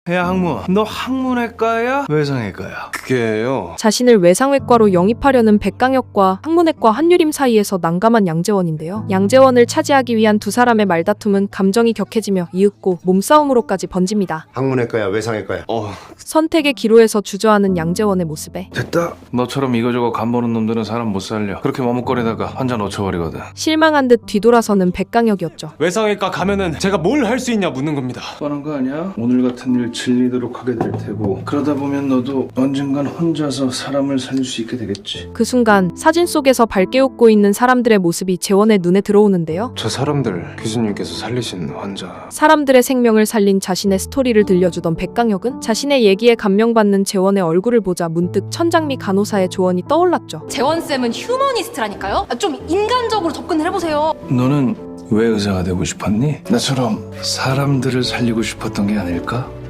야 항문, 너 항문외과야? 외상외과야? 그게요. 자신을 외상외과로 영입하려는 백강혁과 항문외과 한유림 사이에서 난감한 양재원인데요. 양재원을 차지하기 위한 두 사람의 말다툼은 감정이 격해지며 이윽고 몸싸움으로까지 번집니다. 항문외과야 외상외과야? 선택의 기로에서 주저하는 양재원의 모습에 됐다. 너처럼 이거저거 간보는 놈들은 사람 못 살려. 그렇게 머뭇거리다가 환자 놓쳐버리거든. 실망한 듯 뒤돌아서는 백강혁이었죠. 외상외과 가면은 제가 뭘 할 수 있냐 묻는 겁니다. 뻔한 거 아니야? 오늘 같은 일 질리도록 하게 될 테고, 그러다 보면 너도 언젠간 혼자서 사람을 살릴 수 있게 되겠지. 그 순간 사진 속에서 밝게 웃고 있는 사람들의 모습이 재원의 눈에 들어오는데요. 저 사람들 교수님께서 살리신 환자. 사람들의 생명을 살린 자신의 스토리를 들려주던 백강혁은 자신의 얘기에 감명받는 재원의 얼굴을 보자 문득 천장미 간호사의 조언이 떠올랐죠. 재원쌤은 휴머니스트라니까요? 좀 인간적으로 접근을 해보세요. 너는 왜 의사가 되고 싶었니? 나처럼 사람들을 살리고 싶었던 게 아닐까?